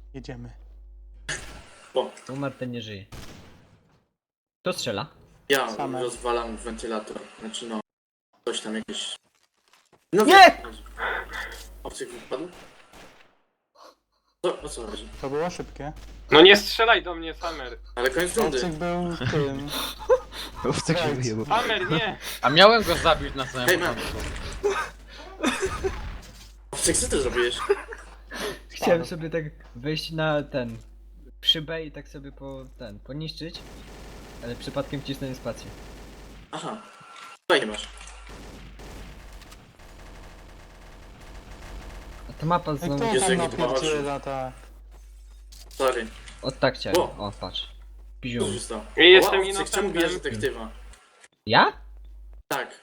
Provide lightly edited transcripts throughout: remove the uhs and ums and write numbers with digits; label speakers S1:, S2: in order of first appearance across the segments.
S1: Jedziemy.
S2: O,
S3: Umarł, ten nie żyje. Kto strzela?
S2: ja
S1: Same.
S2: rozwalam wentylator. Znaczy no, coś tam jakieś... No
S3: Nie!
S2: Obcyk wypadł? O co chodzi?
S1: To było szybkie.
S4: No nie strzelaj do mnie, Samer.
S2: Ale koniec rundy.
S1: Obcyk był tym.
S5: Owcek się
S1: Right.
S5: wyjebał.
S4: Samer, nie!
S6: A miałem go zabić na samym
S2: Hej, man.
S6: początku.
S2: Obcyk, co ty zrobiłeś?
S3: Chciałem sobie tak wejść na ten... szybę i tak sobie poniszczyć. Ale przypadkiem wcisnąłem spację.
S2: Aha. Fajnie masz.
S3: A ta mapa
S1: I
S3: znowu...
S1: kto
S2: Jezu,
S1: tam
S2: jaki to ma
S1: napierdziela, tak.
S2: Sorry.
S3: O tak chciałem.
S2: O.
S3: O, patrz.
S2: Co
S3: Piziu.
S2: się stało?
S4: Ja jestem
S2: Obcyk, czemu bijesz
S4: innocentem.
S2: detektywa?
S3: Ja?
S2: Tak.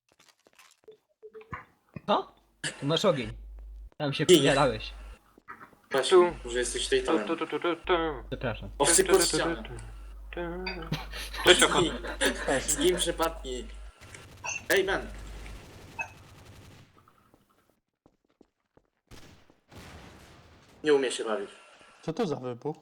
S3: Co? Tu masz ogień. Tam się
S2: Nie.
S3: przyjarałeś.
S2: Patrz,
S4: Tu.
S2: może jesteś tej
S4: Tu,
S2: talem.
S4: tu, tu, tu, tu, tu.
S3: Przepraszam.
S2: Obcyk pod ścianę.
S4: Cześć, Oko.
S2: Z kim przypadki? Ej, Ben. Nie umie się bawić.
S1: Co to za wybuch?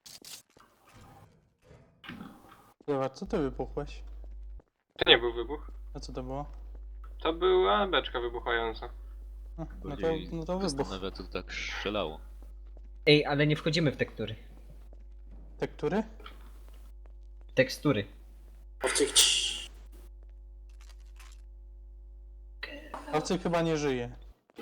S1: Zobacz, co ty wybuchłeś?
S4: To nie był wybuch.
S1: A co to było?
S4: To była beczka wybuchająca.
S1: No to wybuch.
S5: Zastanawia, co to tak strzelało.
S3: Ej, ale nie wchodzimy w tektury.
S1: Tektury?
S3: Tekstury.
S2: Obcyk, ciii.
S1: Obcyk chyba nie żyje.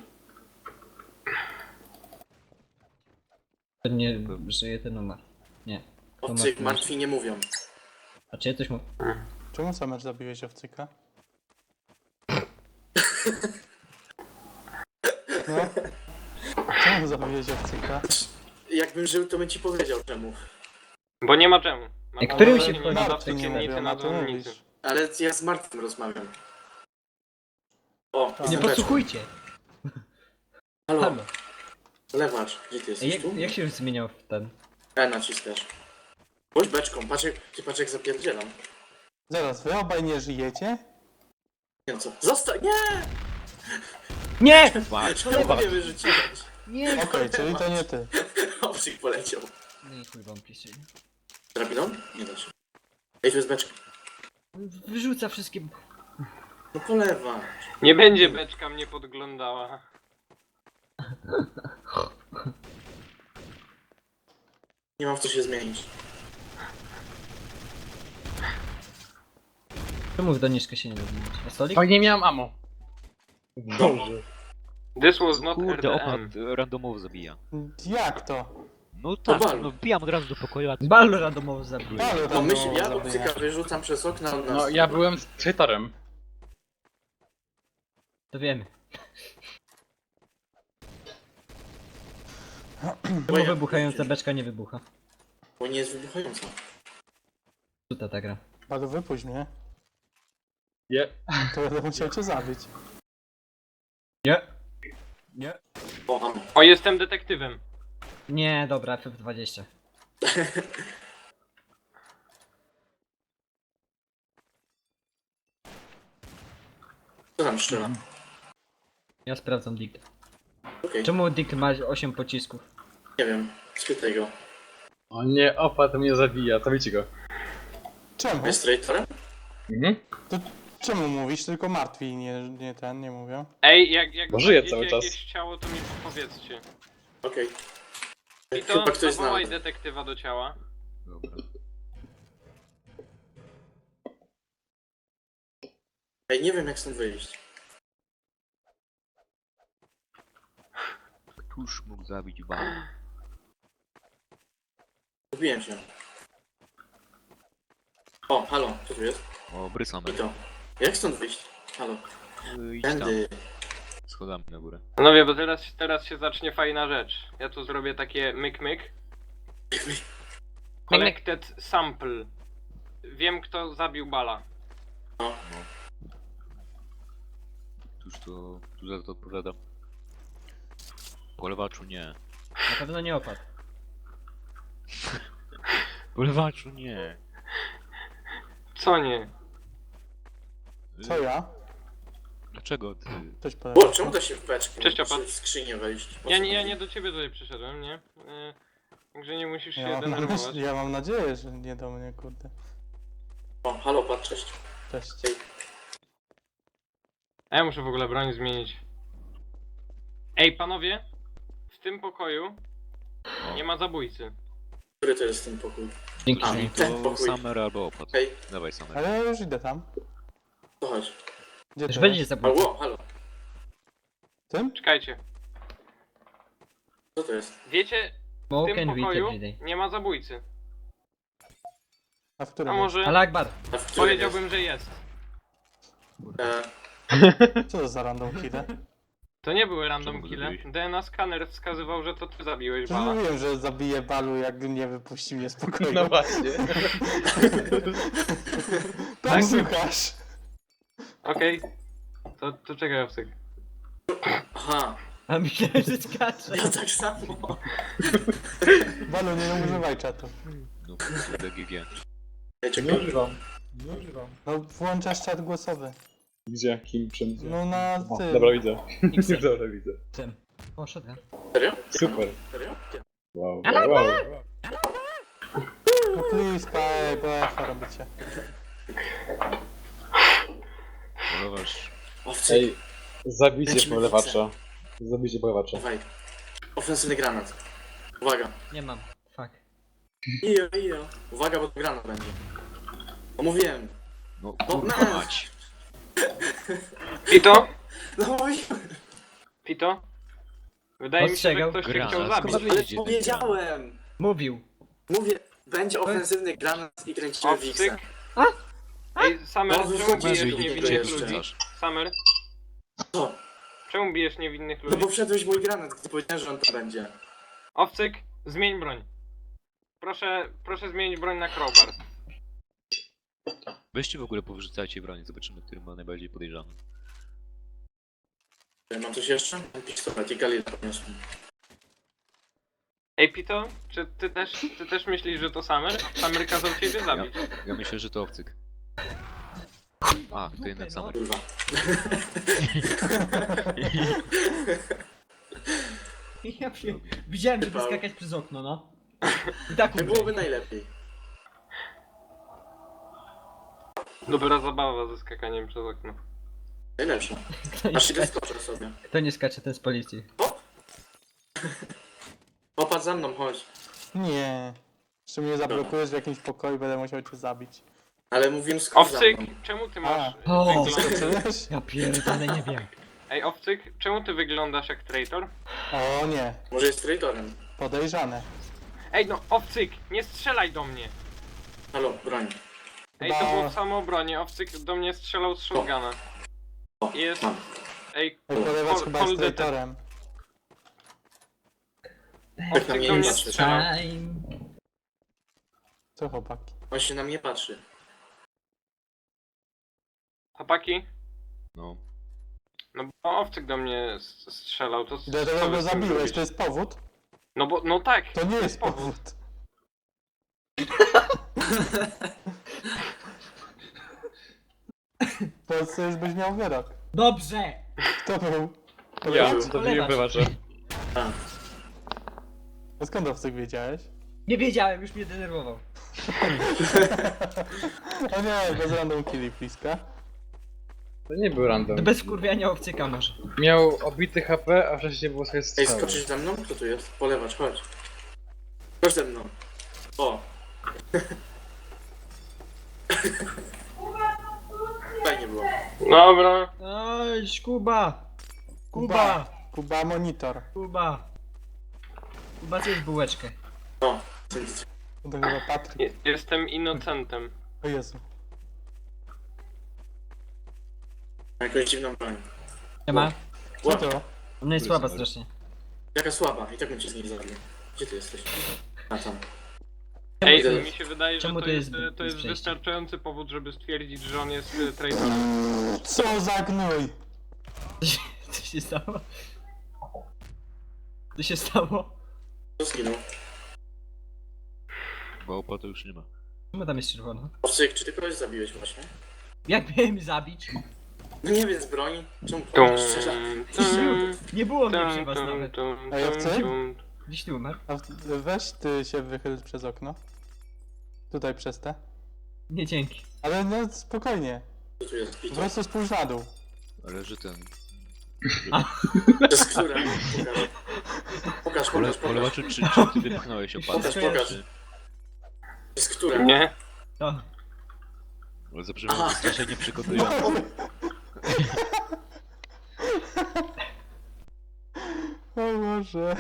S3: To nie żyje, ten umarł. Nie.
S2: Obcyk, martwi nie mówią.
S3: A czy ja coś mu...
S1: Czemu Samer zabiłeś Owcyka? No? Czemu zabiłeś Owcyka?
S2: Jakbym żył, to bym ci powiedział czemu.
S4: Bo nie ma czemu. Ma
S3: Ej, którym
S4: nie
S3: się
S4: na
S3: wchodzi?
S1: Martwy nie
S4: wczekiennicy,
S1: mówią,
S4: na
S1: a ty
S4: dzwonnicy.
S1: mówisz.
S2: Ale ja z Martwym rozmawiam. O,
S1: Nie
S3: Nie
S2: jestem
S3: podsłuchujcie!
S2: Halo,
S3: Halo.
S2: lewacz, gdzie ty
S3: Ej,
S2: jesteś?
S3: jak,
S2: Tu?
S3: jak się zmieniał w ten?
S2: Naciskasz. Bądź beczką, patrz jak zapierdzielam.
S1: Zaraz, wy obaj nie żyjecie?
S2: Nie no co? Zostań! Nie!
S3: Nie!
S2: Czemu mnie wyrzuciłeś?
S3: Nie!
S1: Okej, czyli to nie ty.
S2: Obcyk poleciał.
S3: No i chuj wam pisze.
S2: Drabiną? Nie da się. Ej, tu jest beczka.
S3: Wyrzuca wszystkie...
S2: No polewa.
S4: Nie będzie beczka mnie podglądała.
S2: Nie mam w co się zmienić.
S3: Czemu w doniczkę się nie da zmienić? A stolik?
S6: O, nie miałem ammo.
S4: This was not
S5: Kurde,
S4: RDM.
S5: opad randomowo zabija.
S1: Jak to?
S5: No tak,
S2: balu.
S5: no wbijam od razu do pokoju, a ty...
S3: Balu randomowo zabił.
S1: Ale
S2: No myśl, ja
S1: zabija.
S2: obcyka wyrzucam przez okno.
S6: No, ja byłem z traitorem.
S3: To wiemy.
S2: Bo
S3: Czemu wybuchająca beczka nie wybucha?
S2: Bo nie jest wybuchająca.
S3: Tuta ta gra.
S1: Balu, wypuść mnie.
S6: Nie.
S1: To będę musiał cię zabić.
S3: Nie. Nie.
S2: O, ammo.
S4: O, jestem detektywem.
S3: Nie, dobra, FF20.
S2: Co tam strzela?
S3: Ja sprawdzam dikt.
S2: Okej,
S3: Czemu dikt ma 8 pocisków?
S2: nie wiem. Spytaj go.
S6: O nie, opad mnie zabija, to wiecie go.
S1: Czemu?
S2: Jest traitorem?
S6: Mhm.
S1: To czemu mówisz? Tylko martwi, nie mówią.
S4: Ej, jak
S6: Bo żyję
S4: znajdziecie
S6: cały czas.
S4: jakieś ciało, to mi powiedzcie.
S2: Okej.
S4: I to
S2: Chyba ktoś
S4: zawołaj
S2: zna.
S4: detektywa do ciała.
S5: Dobra.
S2: Ej, nie wiem jak stąd wyjść.
S5: Któż mógł zabić balu?
S2: Zgubiłem się. O, halo, co tu jest?
S5: O, brysamy.
S2: I to. Jak stąd wyjść? Halo.
S5: Idź tam,
S2: Tędy.
S5: schodami na górę.
S4: Panowie, bo teraz się zacznie fajna rzecz. Ja tu zrobię takie myk. Collected sample. Wiem kto zabił Bala.
S5: Któż za to odpowiada? Polewaczu nie.
S3: Na pewno nie opadł.
S5: Polewaczu nie.
S4: Co nie?
S1: Co ja?
S5: Dlaczego ty?
S1: Ktoś
S2: O,
S1: powiedział.
S2: czemu da się w beczkę?
S4: Cześć,
S2: Czy
S4: Opat.
S2: w skrzynię wejść? O co
S4: Ja
S2: chodzi?
S4: nie do ciebie tutaj przyszedłem, nie? Także nie musisz się
S1: Ja mam,
S4: denerwować.
S1: ja mam nadzieję, że nie do mnie, kurde.
S2: O, halo, patrz, cześć.
S1: Cześć.
S4: A ja muszę w ogóle broń zmienić. Ej, panowie! W tym pokoju nie ma zabójcy.
S2: Który to jest ten pokój?
S3: Dzięki.
S2: A,
S5: Czyli
S2: ten
S5: to
S2: pokój.
S5: Summer albo opad.
S2: Hej,
S5: Dawaj Summer.
S1: Ale ja już idę tam.
S2: to chodź.
S1: Gdzie
S3: Już
S1: to
S3: będzie
S1: jest?
S3: zabójca.
S2: Halo, halo.
S1: Tym?
S4: Czekajcie.
S2: Co to jest?
S4: Wiecie, w
S3: Smoke
S4: tym
S3: and weed
S4: pokoju
S3: everyday.
S4: nie ma zabójcy.
S1: A w
S4: A
S1: którym
S4: może
S3: Ale Akbar.
S2: A w którym
S4: powiedziałbym, że jest.
S2: jest?
S1: jest? Co to za random kille?
S4: To nie były random
S5: Czemu go
S4: kille.
S5: zabiłeś?
S4: DNA skaner wskazywał, że to ty zabiłeś
S1: Przecież
S4: Bala.
S1: mówiłem, że zabiję Balu, jak nie wypuści mnie z pokoju.
S6: No właśnie.
S1: Tak słuchasz.
S4: Okej. To czekaj, Owcyk.
S2: Aha,
S3: A myślałem, że skacze.
S2: ja tak samo.
S1: Balu, nie używaj czatu.
S5: No, BGG.
S2: Ej, czekaj.
S6: używam.
S1: No włączasz czat głosowy.
S6: Gdzie? Kim? Czym?
S1: No na
S6: O,
S1: tym.
S6: dobra, widzę.
S3: X-em.
S6: Dobra, widzę.
S3: Tym. O, shotgun.
S2: Serio?
S6: Super.
S2: Serio?
S6: Wow, wow, wow.
S1: No please, BF robicie.
S5: Polowasz.
S2: Owcy,
S6: Ej, zabijcie
S2: Lecimy
S6: polewacza. Zabijcie polewacza.
S2: dawaj. Ofensywny granat. Uwaga.
S3: Nie mam. Fuck.
S2: Ijo. Uwaga, bo to granat będzie. O, mówiłem.
S5: No
S2: No,
S5: kurwa
S2: no.
S5: mać.
S4: Pito?
S2: No mówiłem.
S4: Pito? Wydaje mi się, że
S3: Ostrzegał.
S4: ktoś cię
S5: Granat.
S4: chciał
S5: Skąd
S4: zabić.
S5: wy-
S2: Ale
S5: Idzie ten
S2: powiedziałem.
S3: Mówił.
S2: Mówię, będzie ofensywny granat i kręcimy
S4: Owcyk.
S2: Wixa.
S4: Ej, Summer,
S2: No,
S4: czemu
S2: wychodzi,
S4: bijesz
S2: wychodzi,
S4: niewinnych
S2: wychodzi.
S4: ludzi?
S5: Rzucasz.
S4: Summer,
S2: Co?
S4: czemu bijesz niewinnych
S2: No
S4: ludzi?
S2: bo wszedłeś w mój granat, gdy powiedziałem, że on to będzie.
S4: Owcyk, zmień broń. Proszę zmienić broń na crowbar.
S5: Weźcie w ogóle powyrzucajcie broń, zobaczymy, który ma najbardziej podejrzany.
S2: Mam coś jeszcze? Mam pistolet i galilę podniosłem.
S4: Ej Pito, czy ty też myślisz, że to Summer? Summer kazał ciebie zabić.
S5: Ja myślę, że to Owcyk. A, to jednak Summer.
S2: Kurwa.
S3: Ja widziałem, żeby
S2: Wypał.
S3: skakać przez okno, no. I tak
S2: Nie byłoby najlepiej.
S4: Dobra zabawa ze skakaniem przez okno.
S2: Najlepsze. Aż idę skoczę sobie.
S3: Kto nie skacze, ten z policji.
S2: Popatrz za mną, chodź.
S1: Nie. Jeszcze mnie zablokujesz w jakimś pokoju, będę musiał cię zabić.
S2: Ale mówiłem skocz za
S4: Owcyk,
S2: mną.
S4: czemu ty masz
S3: O,
S4: wygląd...
S1: Skoczyłeś?
S3: Ja pierdolę, nie wiem.
S4: Ej Owcyk, czemu ty wyglądasz jak traitor?
S1: O nie.
S2: Może jest traitorem.
S1: Podejrzane.
S4: Ej no, Owcyk, nie strzelaj do mnie!
S2: Halo, broń.
S4: Ej, to było w samoobronie, Owcyk do mnie strzelał z shotguna.
S2: O,
S4: Jest...
S2: mam.
S4: Ej,
S1: Ej, polewać
S4: Pol-
S1: chyba jest
S4: Poldetet.
S1: traitorem.
S2: Tak na
S4: Owcyk
S2: mnie
S4: do
S2: nie
S4: mnie
S2: patrzy.
S4: strzelał.
S3: Time.
S1: Co chłopaki?
S2: On się na mnie patrzy.
S4: Chłopaki?
S5: No.
S4: No bo Owcyk do mnie strzelał, to co
S1: Dlaczego
S4: wy
S1: go
S4: z tym
S1: zabiłeś?
S4: zrobicie?
S1: To jest powód?
S4: No bo, no tak,
S1: To nie jest powód. W Polsce już byś miał wyrok.
S3: Dobrze!
S1: Kto był?
S6: Ja,
S2: był?
S6: zabiję polewacza.
S1: A skąd Owcyk wiedziałeś?
S3: Nie wiedziałem, już mnie denerwował.
S1: O nie, bez random killi, bliska.
S6: To nie był random.
S3: To bez wkurwiania obcyka może.
S6: Miał obity HP, a wcześniej było swoje
S2: Ej,
S6: strzały.
S2: skoczysz za mną? Kto tu jest? Polewacz, chodź. Chodź ze mną. O. Fajnie było.
S4: dobra.
S3: Oj, Kuba! Kuba!
S1: Kuba monitor.
S3: Kuba! Kuba, zjedz bułeczkę.
S2: O.
S1: To chyba Patryk.
S4: Jestem innocentem.
S1: O Jezu.
S2: Ma jakąś dziwną broń.
S3: Nie ma?
S1: Co
S2: Łap.
S1: to?
S3: Ona jest słaba strasznie.
S2: Jaka słaba. I tak bym cię z niej zabił. Gdzie ty jesteś? A tam.
S4: Ej,
S2: to-
S4: mi się wydaje, że
S3: czemu
S4: to
S3: to
S4: jest,
S3: jest
S4: to jest
S3: przejście?
S4: wystarczający powód, żeby stwierdzić, że on jest traitorem.
S1: Co za gnój?
S3: Co się stało? Co się stało?
S2: Co zginął?
S5: Bo opadu już nie ma.
S3: Czemu tam jest czerwono?
S2: Owcyk, czy ty kogoś zabiłeś właśnie?
S3: Jak miałem zabić?
S2: No nie wiem, z broni? Czemu
S4: Tum,
S2: strzela?
S4: tum,
S3: Nie było mnie przy
S4: tum,
S3: was
S4: tum,
S3: nawet.
S4: tum,
S1: A ja
S4: tum,
S1: chcę?
S4: tum.
S3: Gdzieś ty umarł?
S1: A weź ty się wychyl przez okno. Tutaj przez te.
S3: Nie, dzięki.
S1: Ale no spokojnie.
S2: Co tu jest?
S1: Po
S2: Pito.
S1: prostu spójrz na dół.
S5: Leży ten.
S2: To jest która? Pokaż, pokaż, pokaż.
S5: Polewa, czy ty wypchnąłeś
S3: Już
S5: opadek?
S2: Pokaż, pokaż. To jest która?
S4: Nie?
S3: To.
S5: Ale zabrzmiało
S2: Aha.
S5: strasznie przygotująco.
S1: O Boże.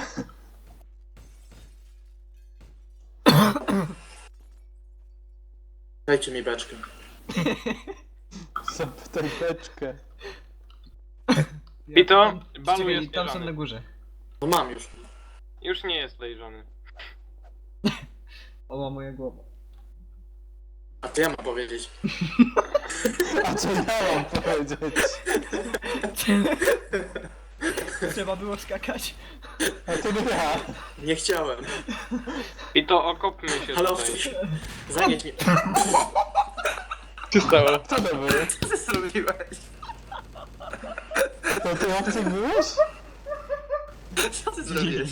S2: Dajcie mi beczkę.
S1: Zapytaj beczkę.
S4: Pito,
S3: Tam-
S4: Balu
S3: czekaj,
S4: jest
S3: tam są
S4: bieżany.
S3: na górze.
S2: No mam już.
S4: Już nie jest lejżony.
S3: Oła moja głowa.
S2: A to ja mam powiedzieć.
S1: A co ja mam powiedzieć?
S3: Trzeba było skakać.
S1: A to nie ja.
S2: Nie chciałem.
S4: Pito, okopmy się
S2: Ale
S4: tutaj.
S2: owcy, zanieś mnie.
S6: Co stało?
S1: Co to był?
S2: Co ty zrobiłeś?
S1: To ty obcy byłeś?
S2: Co ty zrobiłeś?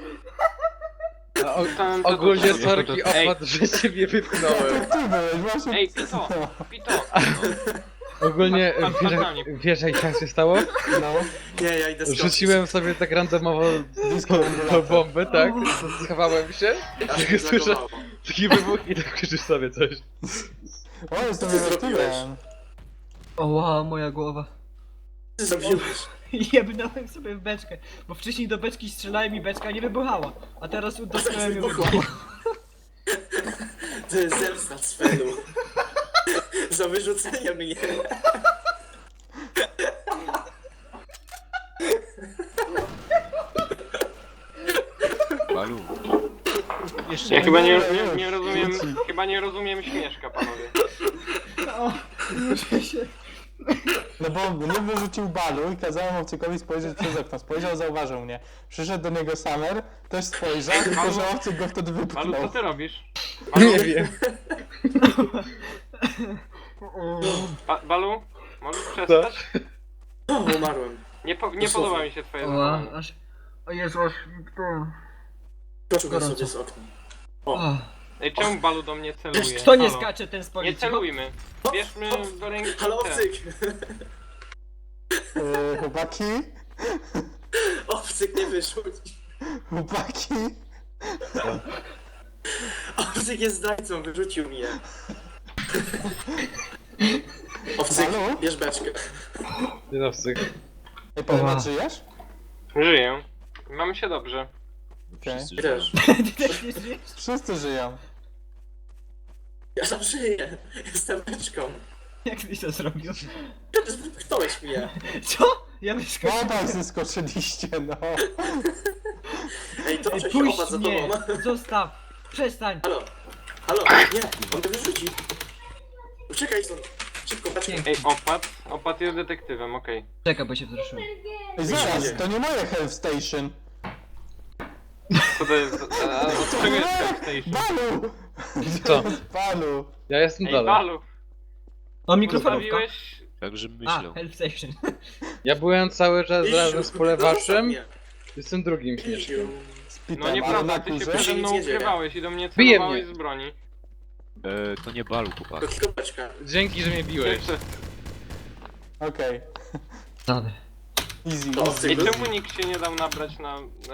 S6: A o,
S4: Tam-
S6: ogólnie
S4: to-
S6: sorki
S4: Ej.
S6: opad, że ciebie wypchnąłem.
S1: Ty byłeś, właśnie.
S4: Ej, Pito! Pito!
S6: Ogólnie
S4: Patrz,
S6: wiesz,
S4: patrz na mnie.
S6: wiesz jak tak się stało?
S1: No,
S2: Nie, ja idę skoczyć.
S6: Rzuciłem sobie tak randomowo
S1: disco
S6: tą bombę, tak? Schowałem się,
S2: Aż mnie
S6: słyszę
S2: zlagowało.
S6: taki wybuch i tak krzyczysz sobie coś.
S1: O, jestem
S2: Co ty zrobiłeś?
S1: reaktywem.
S3: Oła moja głowa.
S2: Co ty zrobiłeś?
S3: Jebnąłem sobie w beczkę, bo wcześniej do beczki strzelałem i beczka nie wybuchała. A teraz dotknąłem i
S2: wybuchła.
S3: wybuchła.
S2: To jest zemsta Svenu. Za wyrzucenie mnie.
S5: Balu. Jeszcze
S4: Ja chyba nie
S1: nie,
S4: rozumiem,
S1: wróci.
S4: chyba nie rozumiem śmieszka, panowie.
S3: O, muszę się.
S1: No bo mnie wyrzucił balu i kazałem obcykowi spojrzeć przez okno. Spojrzał, zauważył mnie. Przyszedł do niego Summer, też spojrzał, tylko że obcyk go wtedy
S4: Balu,
S1: wypchnął.
S4: co ty robisz?
S6: Nie wiem.
S4: Balu? Możesz przestać?
S2: O, umarłem.
S4: Nie podoba mi się twoje
S3: Oła,
S4: zachowanie.
S3: aż... O Jezu, aż...
S2: Skoczyłbym
S3: Gorąco.
S2: sobie z okna.
S3: O.
S4: Ej, czemu Balu do mnie celuje?
S3: Kto nie
S4: Halo?
S3: skacze, ten z
S4: Nie
S3: policji.
S4: celujmy. Bierzmy do ręki
S2: Halo,
S4: te.
S2: obcyk!
S1: Chłopaki?
S2: Obcyk nie wyrzuć.
S1: Chłopaki?
S2: Obcyk jest zdrajcą, wyrzucił mnie. Obcyk,
S1: Halo?
S2: bierz beczkę.
S6: Dzienowcy.
S1: Ej, Paweł,
S3: Oła.
S1: żyjesz?
S4: Żyję. Mamy się dobrze.
S1: Okej.
S5: Wszyscy
S2: Ty
S5: żyją.
S2: też.
S3: Ty też nie żyjesz?
S1: Wszyscy żyją.
S2: Ja tam żyję. Jestem beczką.
S3: Jak tyś to zrobił?
S2: Przecież wypchnąłeś mnie.
S3: Co? Ja
S1: No
S3: wyskoczyłem.
S1: tak, zeskoczyliście, no.
S2: Ej, to
S3: Ej,
S2: się
S3: puść
S2: opadł za
S3: mnie!
S2: tobą.
S3: Zostaw! Przestań!
S2: Halo. Halo, nie, on mnie wyrzuci. Uciekaj stąd. Szybko, beczkę.
S4: Ej, Opat jest detektywem, okej.
S3: Czekaj, bo się wzruszyłem.
S1: Ej, zaraz, to nie moje Health Station.
S4: Co to jest? Od czego jest Health Station?
S1: Balu!
S6: Co?
S1: Balu!
S6: Ja jestem
S4: Ej,
S6: dalej.
S4: Balu!
S3: O, mikrofalówka.
S4: Postawiłeś...
S5: Także
S3: A,
S5: myślę.
S3: Help Station.
S6: Ja byłem cały czas
S2: Iść,
S6: razem z
S2: zostaw
S6: polewaszem,
S2: mnie.
S6: jestem drugim śmieszkiem.
S1: Z pitem,
S4: No
S1: ale
S4: nieprawda,
S1: na
S4: ty się
S1: górze?
S4: przede mną
S2: Nic nie dzieje.
S4: ukrywałeś i do mnie
S6: Bije
S4: celowałeś
S6: mnie.
S4: z broni.
S5: To nie Balu, chłopak.
S2: To tylko beczka.
S6: Dzięki, że mnie biłeś.
S4: Jeszcze-
S1: Okej.
S3: Dobra.
S1: Easy,
S2: To
S1: easy.
S4: Ej,
S2: Ty-
S4: czemu nikt się nie dał nabrać na